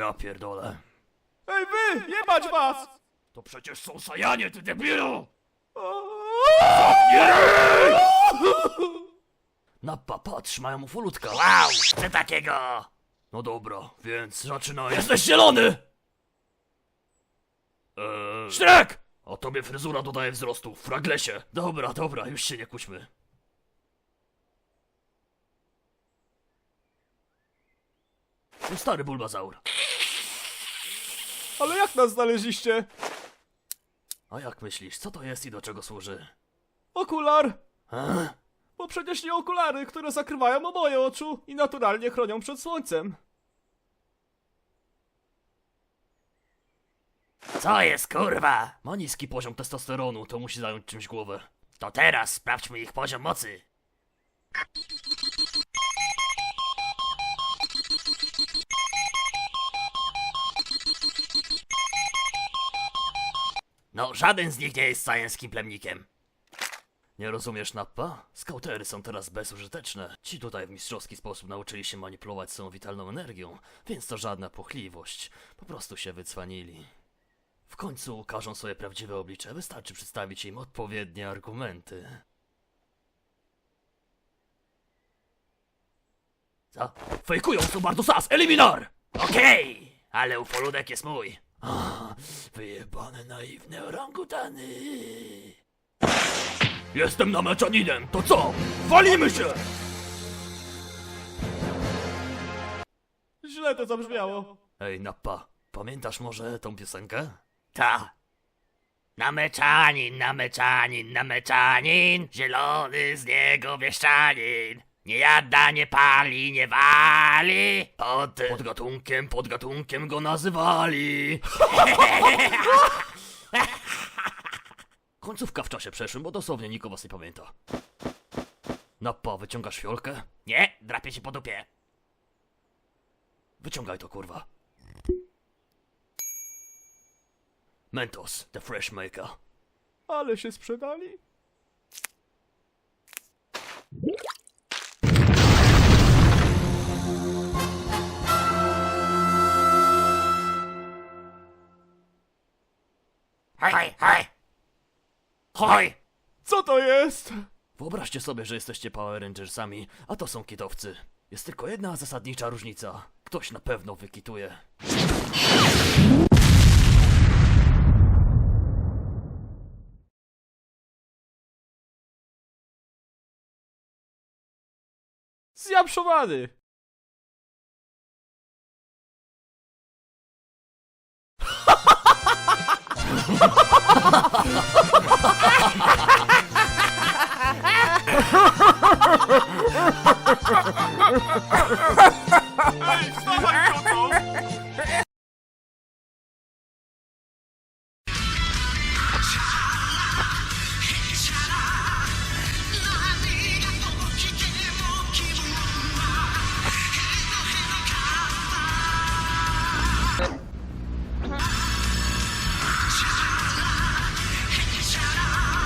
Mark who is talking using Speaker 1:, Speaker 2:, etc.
Speaker 1: Ja pierdolę.
Speaker 2: Ej wy, jebać was!
Speaker 1: To przecież są Sajanie, ty debilu! Nappa, patrz, mają ufolutka. Wow, chcę takiego! No dobra, więc zaczynaj. Jesteś zielony! Szrek! A tobie fryzura dodaje wzrostu, fraglesie. Dobra, dobra, już się nie kłóćmy. No stary Bulbazaur.
Speaker 2: Ale jak nas znaleźliście?
Speaker 1: A jak myślisz, co to jest i do czego służy?
Speaker 2: Okular!
Speaker 1: A?
Speaker 2: Bo przecież nie okulary, które zakrywają oboje oczu i naturalnie chronią przed słońcem.
Speaker 1: Co jest, kurwa? Ma niski poziom testosteronu, to musi zająć czymś głowę. To teraz sprawdźmy ich poziom mocy. No, żaden z nich nie jest science plemnikiem. Nie rozumiesz, Nappa? Skautery są teraz bezużyteczne. Ci tutaj w mistrzowski sposób nauczyli się manipulować swoją witalną energią, więc to żadna płochliwość. Po prostu się wycwanili. W końcu ukażą swoje prawdziwe oblicze, wystarczy przedstawić im odpowiednie argumenty. Co? Fejkują, są bardzo sas! Eliminar! Okej, ale ufoludek jest mój. Wyjebane naiwne orangutany. Jestem nameczaninem, to co? Walimy się!
Speaker 2: Źle to zabrzmiało.
Speaker 1: Ej, Nappa, pamiętasz może tą piosenkę?
Speaker 3: Ta. Nameczanin, nameczanin, nameczanin, zielony z niego wieszczanin. Nie jada, nie pali, nie wali.
Speaker 1: Podgatunkiem go nazywali. Końcówka w czasie przeszłym, bo dosłownie nikt o was nie pamięta. Nappa, wyciągasz fiolkę?
Speaker 3: Nie, drapie się po dupie.
Speaker 1: Wyciągaj to, kurwa. Mentos, the fresh maker.
Speaker 2: Ale się sprzedali.
Speaker 3: Hoj, hoj. Hoj.
Speaker 2: Co to jest?
Speaker 1: Wyobraźcie sobie, że jesteście Power Rangersami, a to są kitowcy. Jest tylko jedna zasadnicza różnica. Ktoś na pewno wykituje.
Speaker 2: Zjapszowany!